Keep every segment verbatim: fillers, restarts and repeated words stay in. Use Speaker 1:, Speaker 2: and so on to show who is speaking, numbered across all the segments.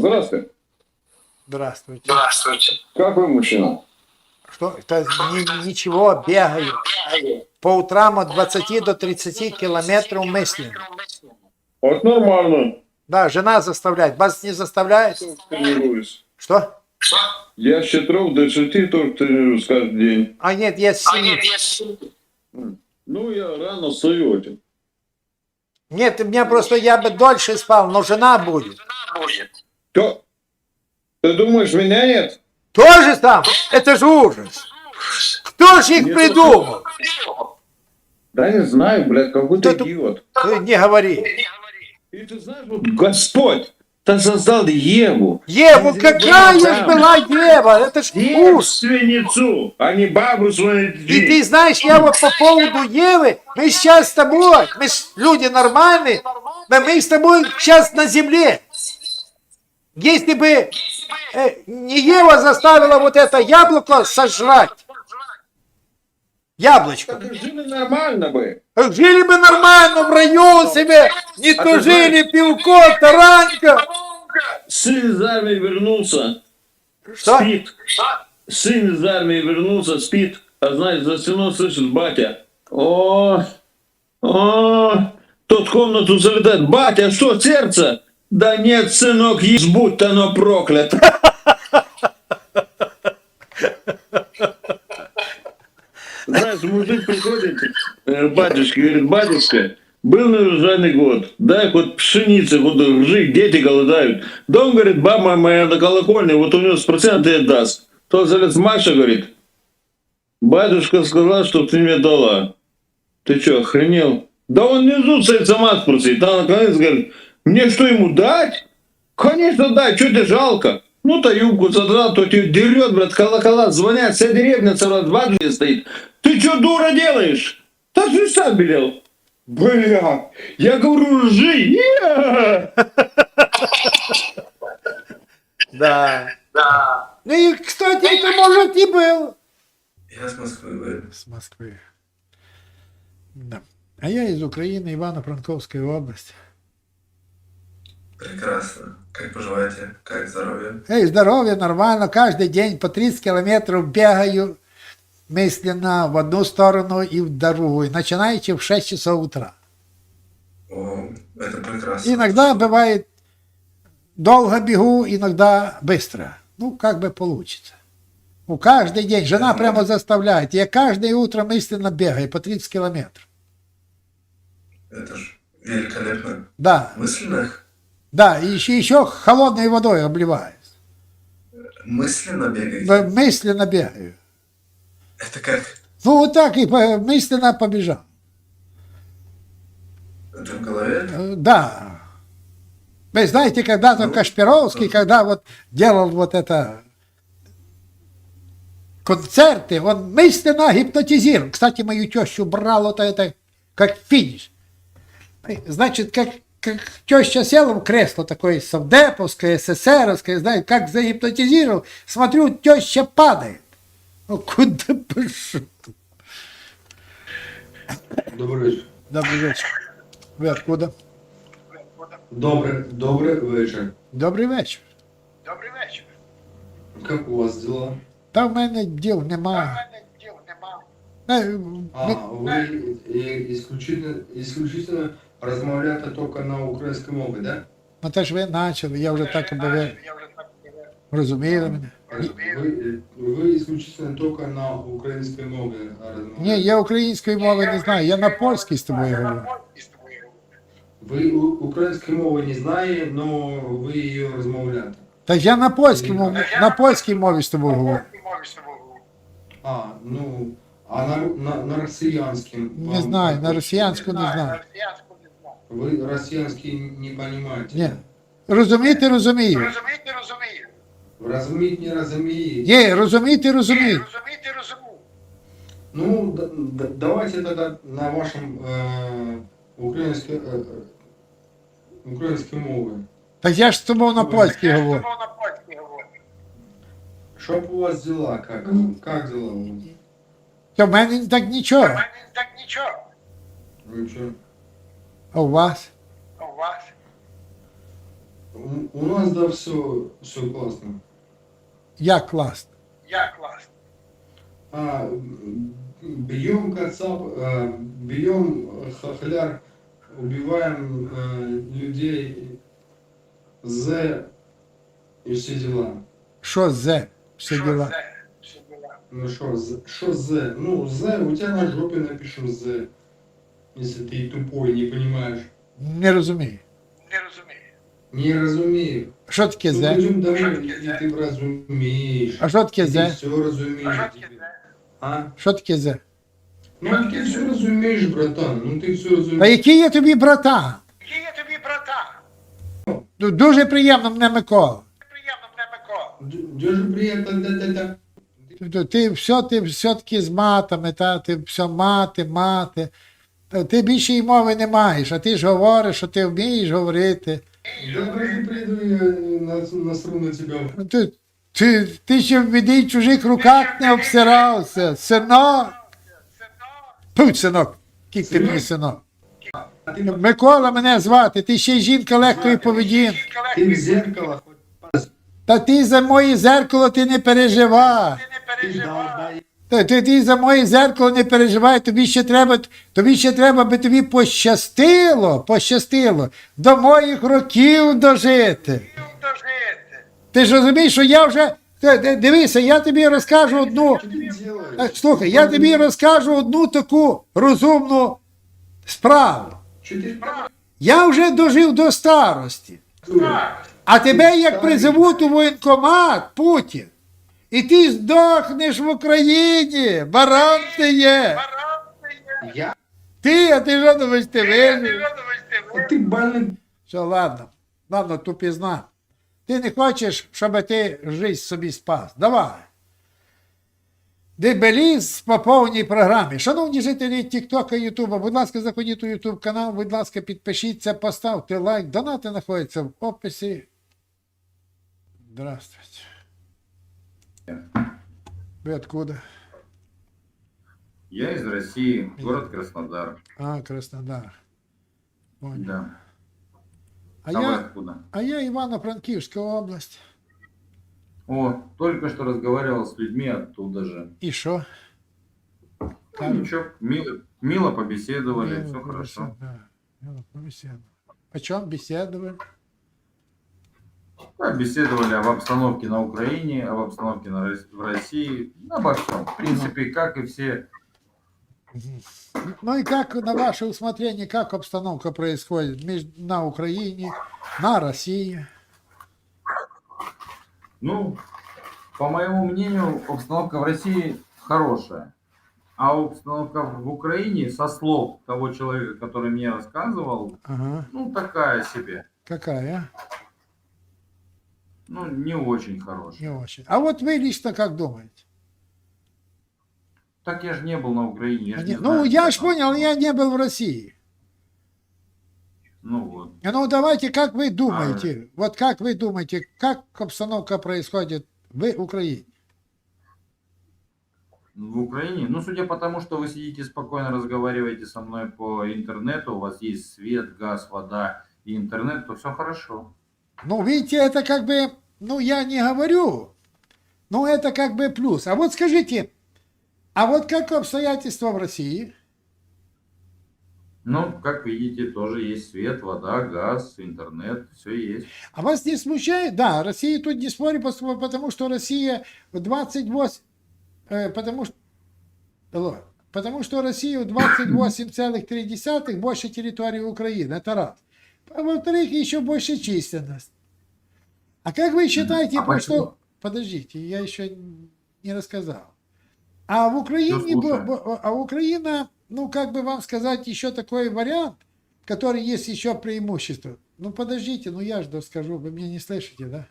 Speaker 1: Здравствуйте.
Speaker 2: Здравствуйте.
Speaker 3: Здравствуйте.
Speaker 1: Как вы, мужчина?
Speaker 2: Что? Это ни- ничего, бегаю. По утрам от двадцати до тридцати километров мысленно.
Speaker 1: Вот нормально.
Speaker 2: Да, жена заставляет. Вас не заставляет?
Speaker 1: Тренируюсь.
Speaker 2: Что?
Speaker 3: Что?
Speaker 1: Я с четырех до шести тоже тренируюсь каждый день.
Speaker 2: А нет, я с
Speaker 3: А
Speaker 2: семи.
Speaker 3: нет, я с-
Speaker 1: Ну, я рано встаю этим.
Speaker 2: Нет, у меня просто я бы дольше спал, но жена будет.
Speaker 3: Жена будет.
Speaker 1: Кто? Ты думаешь, меня нет?
Speaker 2: Тоже там? Это же ужас. Кто же их
Speaker 1: Нет,
Speaker 2: придумал?
Speaker 1: Да не знаю, блядь, какой-то
Speaker 2: Кто-то-
Speaker 1: идиот.
Speaker 2: Ты не говори.
Speaker 3: Не говори.
Speaker 1: И ты знаешь, вот Господь, ты создал Еву.
Speaker 2: Еву,
Speaker 1: Из
Speaker 2: какая
Speaker 1: ребенка
Speaker 2: ж
Speaker 1: дам.
Speaker 2: была Ева? Это ж ужас.
Speaker 1: Девственницу, а не бабу свою.
Speaker 2: И ты знаешь, я вот по поводу Евы, мы сейчас с тобой, мы ж люди нормальные, но мы с тобой сейчас на земле. Если бы э, не Ева заставила вот это яблоко сожрать, яблочко,
Speaker 1: Так жили нормально бы.
Speaker 2: жили бы нормально в раю себе, не
Speaker 1: А
Speaker 2: то
Speaker 1: ты
Speaker 2: жили пивко, таранька.
Speaker 1: Сын из армии вернулся,
Speaker 2: Что?
Speaker 1: спит. Сын из армии вернулся, спит. А знаешь, за стеной слышит батя. О, о, тот в комнату залетает. Батя, что, сердце? Да нет, сынок, есть, будь оно проклято. Знаешь, мужик приходит, э, батюшка, говорит, батюшка, был неурожайный год, дай хоть пшеницы, вот ржи, дети голодают. Дом, говорит, баба моя на колокольне, вот у него с процента даст. Тот залез, Маша, говорит, батюшка сказал, что ты мне дала. Ты что, охренел? Да он внизу стоит, сама спросит. А наконец говорит, мне что, ему дать? Конечно, дай, что тебе жалко? Ну, то юбку задрал, то тебе дерет, брат, колокола звонят, вся деревня целая в двадцать стоит. Ты что, дура, делаешь? Да ты сам велел. Бля, я говорю, ржи. Я.
Speaker 2: Да.
Speaker 3: Да.
Speaker 2: Ну и, кстати, это может и был.
Speaker 4: Я с Москвы говорю.
Speaker 2: С Москвы. Да. А я из Украины, Ивано-Франковской области.
Speaker 4: Прекрасно. Как поживаете? Как здоровье?
Speaker 2: Эй, здоровье, нормально. Каждый день по тридцать километров бегаю мысленно в одну сторону и в другую. Начинаете в шесть часов утра.
Speaker 4: О, это прекрасно.
Speaker 2: Иногда бывает долго бегу, иногда быстро. Ну, как бы получится. У каждый день. Жена прямо заставляет. Я каждое утро мысленно бегаю по тридцать километров.
Speaker 4: Это ж великолепно.
Speaker 2: Да,
Speaker 4: Мысленно?
Speaker 2: да. И еще, еще холодной водой обливаюсь.
Speaker 4: Мысленно бегаете?
Speaker 2: Мысленно бегаю.
Speaker 4: Это как?
Speaker 2: Ну, вот так и по- мысленно побежал.
Speaker 4: Это в голове?
Speaker 2: Э, Да. Вы знаете, когда-то
Speaker 4: Ну,
Speaker 2: Кашпировский,
Speaker 4: тоже.
Speaker 2: когда вот делал вот это концерты, он мысленно гипнотизировал. Кстати, мою тещу брал вот это как финиш. Значит, как, как теща села в кресло такое совдеповское, эсэсэровское, знаете, как загипнотизировал, смотрю, теща падает. Ну, куда пошел?
Speaker 5: Добрый вечер.
Speaker 2: Добрый вечер. Вы откуда?
Speaker 5: Добрый, добрый вечер.
Speaker 2: Добрий вечір.
Speaker 3: Добрий вечір.
Speaker 5: Как у вас дела?
Speaker 2: Та в мене діл немає.
Speaker 3: мене діл нема.
Speaker 2: Е,
Speaker 5: А,
Speaker 2: ми-
Speaker 5: вы и- исключительно, исключительно размовляете только на украинской мове, да?
Speaker 2: Ну те ж ви почали, я вже так аби ви
Speaker 3: Я вже так не
Speaker 2: розуміли мене.
Speaker 5: Вы, вы исключительно только на украинской мове размовляете?
Speaker 2: Ні, я української мови не знаю, я на польській з тобою говорю.
Speaker 3: з тобою говорю.
Speaker 5: Вы у- украинской мовы не знаете, но вы ее размовляете.
Speaker 2: Та ж я на польській мові, на польській мові з тобою говорю.
Speaker 3: Ти мовиш з тобою говорю.
Speaker 5: А, ну, а на, на, на россиянском?
Speaker 2: Не
Speaker 5: вам
Speaker 2: знаю,
Speaker 5: как?
Speaker 2: на росіянську не
Speaker 3: На
Speaker 2: знаю.
Speaker 3: росіянську не знаю.
Speaker 5: Вы россиянский не понимаете?
Speaker 2: Ні. Розуміти розумію.
Speaker 3: Розуміти розумію.
Speaker 5: Разуметь не разумеете?
Speaker 2: Ні, розуміти розумію.
Speaker 3: Розуміти розумію.
Speaker 5: Ну, д- д- давайте тогда на вашем э, украинской, э, э, украинской мове.
Speaker 2: Та я ж з тобою на польській
Speaker 3: Я з
Speaker 2: говорю.
Speaker 3: тобою на польській говорю.
Speaker 5: Чтоб у вас дела, как? Как дела у вас?
Speaker 2: Та в мене так нічого.
Speaker 3: У мене так нічого.
Speaker 5: Вы что?
Speaker 2: А у вас?
Speaker 3: А у вас?
Speaker 5: У, у нас, да, все, все классно.
Speaker 2: Як класно.
Speaker 3: Я класс.
Speaker 5: А, м, бьем кацап, э, бьем э, хохляр, убиваем э, людей, З и все дела.
Speaker 2: Що зе? Все
Speaker 3: Что
Speaker 2: діла.
Speaker 3: за все дела?
Speaker 5: Ну что, З- что З? Ну, З, у тебя на жопе напишем З, если ты тупой, не понимаешь.
Speaker 2: Не розумію.
Speaker 3: Не разумею.
Speaker 5: Не разумею.
Speaker 2: Що таке
Speaker 5: Ну,
Speaker 2: зе?
Speaker 5: пойдем домой,
Speaker 3: Что
Speaker 5: и
Speaker 3: таке
Speaker 5: ты разумеешь.
Speaker 2: А що таке
Speaker 5: Ты
Speaker 2: зе?
Speaker 5: все разумеешь.
Speaker 3: А что таке
Speaker 5: теперь.
Speaker 3: за?
Speaker 5: А?
Speaker 2: Що таке зе?
Speaker 5: Ну, ты все разумеешь, братан. Ну, ты все
Speaker 2: Та
Speaker 5: разумеешь.
Speaker 2: який я тобі братан?
Speaker 3: Який я тобі братан?
Speaker 2: Ду- Дуже приємно мене Микола.
Speaker 3: Приємно мене Микола.
Speaker 5: Д- Дуже приятно, да-да-да.
Speaker 2: Тобто ти все, ти все-таки з матами, та, ти все мати, мати. Та ти більше й мови не маєш, а ти ж говориш, що ти вмієш говорити.
Speaker 5: Я просто приду и нас- насру на тебя.
Speaker 2: Ну, Ти, ти, ти ще в біді й чужих руках не обсирався. Синок. Путь, синок. Кік ти мені синок.
Speaker 5: А ты,
Speaker 2: Микола мене звати, ти ще й жінка легкої поведінки.
Speaker 5: ты в зеркало хоть
Speaker 2: Та ти за моє зеркало ти не переживай.
Speaker 3: Ти не
Speaker 5: ты
Speaker 3: переживай.
Speaker 5: долбай.
Speaker 2: Та ти, ти за моє зеркало не переживай, тобі ще треба, тобі ще треба, би тобі пощастило, пощастило до моїх років дожити.
Speaker 3: Дожити.
Speaker 2: Ти ж розумієш, що я вже. Ти- ти- Дивися, я тобі розкажу одну.
Speaker 5: Что ты делаешь?
Speaker 2: Е, Слухай, я тобі розкажу одну таку розумну справу.
Speaker 5: Что ты
Speaker 2: Я вже дожив до старості. А тебе як призовуть у воєнкомат, Путін, і ти здохнеш в Україні, баран ти є.
Speaker 3: Баран ти є.
Speaker 5: Я?
Speaker 2: Ти, а ти що думаєш, ти
Speaker 3: Ти
Speaker 2: вижив?
Speaker 3: видумаєш, ти
Speaker 5: А ты больный.
Speaker 2: Все, ладно, ладно, тупізна. Ти не хочеш, щоб ти жизнь собі спас. Давай. Дебеліз по повній програмі. Шановні жителі Тіктока, Ютуба, будь ласка, заходіть у Ютуб канал, будь ласка, підпишіться, поставте лайк. Донати знаходяться в описі. Здравствуйте. Вы откуда?
Speaker 6: Я из России, город Краснодар.
Speaker 2: А, Краснодар. Понял.
Speaker 6: Да.
Speaker 2: А,
Speaker 6: А вы
Speaker 2: я,
Speaker 6: откуда?
Speaker 2: а я Ивано-Франкивская область.
Speaker 6: О, только что разговаривал с людьми оттуда же.
Speaker 2: И что?
Speaker 6: Ну, ничего, мило, мило побеседовали, все хорошо.
Speaker 2: О чем беседовали?
Speaker 6: Да, беседовали об обстановке на Украине, об обстановке на, Рос- в России, обо всем. В принципе, как и все.
Speaker 2: Ну и как на ваше усмотрение, как обстановка происходит между, на Украине, на России?
Speaker 6: Ну, по моему мнению, обстановка в России хорошая. А обстановка в Украине, со слов того человека, который мне рассказывал,
Speaker 2: Ага.
Speaker 6: ну, такая себе.
Speaker 2: Какая?
Speaker 6: Ну, не очень
Speaker 2: Не
Speaker 6: хорошая.
Speaker 2: очень. А вот вы лично как думаете?
Speaker 6: Так я же не был на Украине. Я
Speaker 2: А
Speaker 6: ж
Speaker 2: не-
Speaker 6: не знаю,
Speaker 2: ну, я
Speaker 6: как
Speaker 2: ж
Speaker 6: там.
Speaker 2: понял, я не был в России.
Speaker 6: Ну вот.
Speaker 2: Ну, давайте, как вы думаете, вот как вы думаете, как обстановка происходит в Украине?
Speaker 6: В Украине, ну, судя по тому, что вы сидите спокойно, разговариваете со мной по интернету, у вас есть свет, газ, вода и интернет, то все хорошо.
Speaker 2: Ну, видите, это как бы, ну, я не говорю, но это как бы плюс. А вот скажите, а вот как обстоятельства в России?
Speaker 6: Ну, как видите, тоже есть свет, вода, газ, интернет, все есть.
Speaker 2: А вас не смущает? Да, Россия тут не спорит, пос- потому что Россия в двадцать восемь, э, потому что, алло, потому что Россия в двадцать восемь целых три десятых больше территории Украины, это раз. А во-вторых, еще больше численность. А как вы считаете,
Speaker 6: А
Speaker 2: по
Speaker 6: почему?
Speaker 2: что... Подождите, я еще не рассказал. А в Украине,
Speaker 6: Всё слушаю.
Speaker 2: бо- бо- а Украина, ну, как бы вам сказать, еще такой вариант, который есть еще преимущество. Ну, подождите, ну я же скажу, вы меня не слышите, да?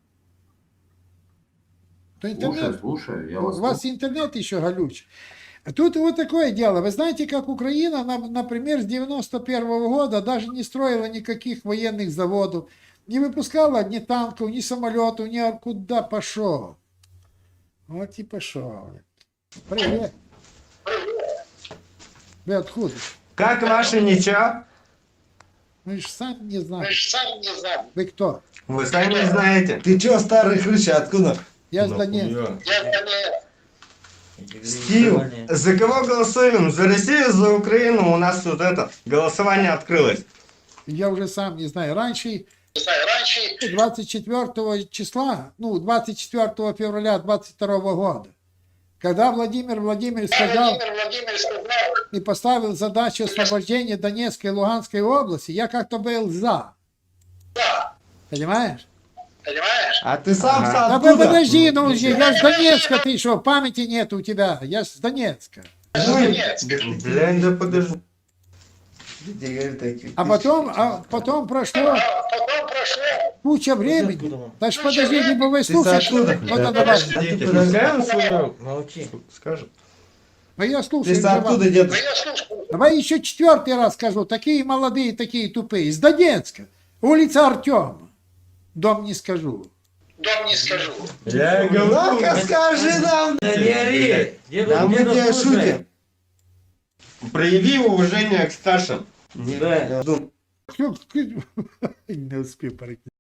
Speaker 2: То
Speaker 6: Слушай,
Speaker 2: интернет,
Speaker 6: слушай, я
Speaker 2: у
Speaker 6: вас...
Speaker 2: вас интернет еще галюч. А тут вот такое дело. Вы знаете, как Украина, на- например, с девяносто первого года даже не строила никаких военных заводов, не выпускала ни танков, ни самолетов, ни а куда пошел. Вот и пошел. Привет. Вы откуда?
Speaker 7: Как ваше ничего?
Speaker 2: Мы же сами не знаем.
Speaker 3: Вы же сами не знаете.
Speaker 2: Вы кто?
Speaker 7: Вы сами не знаете. Ты чё, старый хрыща, откуда?
Speaker 2: Я с Донецка.
Speaker 3: Я не...
Speaker 7: Стив, за кого голосуем? За Россию, за Украину? У нас тут это, голосование открылось.
Speaker 2: Я уже сам не знаю. Раньше,
Speaker 3: Не знаю, раньше...
Speaker 2: двадцать четвёртого числа, ну, двадцать четвёртого февраля двадцать второго года, когда Владимир Владимирович сказал
Speaker 3: Владимир Владимирович сказал,
Speaker 2: и поставил задачу освобождения Донецкой и Луганской области, я как-то был за.
Speaker 3: да,
Speaker 2: Понимаешь?
Speaker 3: понимаешь?
Speaker 7: А ты сам
Speaker 2: Да
Speaker 7: откуда?
Speaker 2: вы подожди, ну, я с Донецка, ты что, памяти нет у тебя? Я с Донецка.
Speaker 7: Блин, да подожди.
Speaker 2: А потом, а потом прошло
Speaker 3: А потом прошло...
Speaker 2: куча времени. Так что подожди, либо вы
Speaker 7: Ты
Speaker 2: слушаете,
Speaker 7: откуда?
Speaker 2: ну тогда давай.
Speaker 7: Хозяин свой молчи. Скажет.
Speaker 2: Ну я
Speaker 7: Ты
Speaker 2: слушаю.
Speaker 7: с
Speaker 2: давай.
Speaker 7: откуда,
Speaker 3: Да
Speaker 7: дед?
Speaker 3: я слушаю.
Speaker 2: Давай еще четвертый раз скажу. Такие молодые, такие тупые. Из Донецка. Улица Артема. Дом не скажу.
Speaker 3: Дом не скажу.
Speaker 7: Я говорю, ну-ка скажи нам.
Speaker 8: Да не ори! Деду,
Speaker 7: Да мы
Speaker 8: деду
Speaker 7: тебя
Speaker 8: слушай.
Speaker 7: шутим. Прояви уважение к старшим.
Speaker 8: Да.
Speaker 2: Не успел пройти.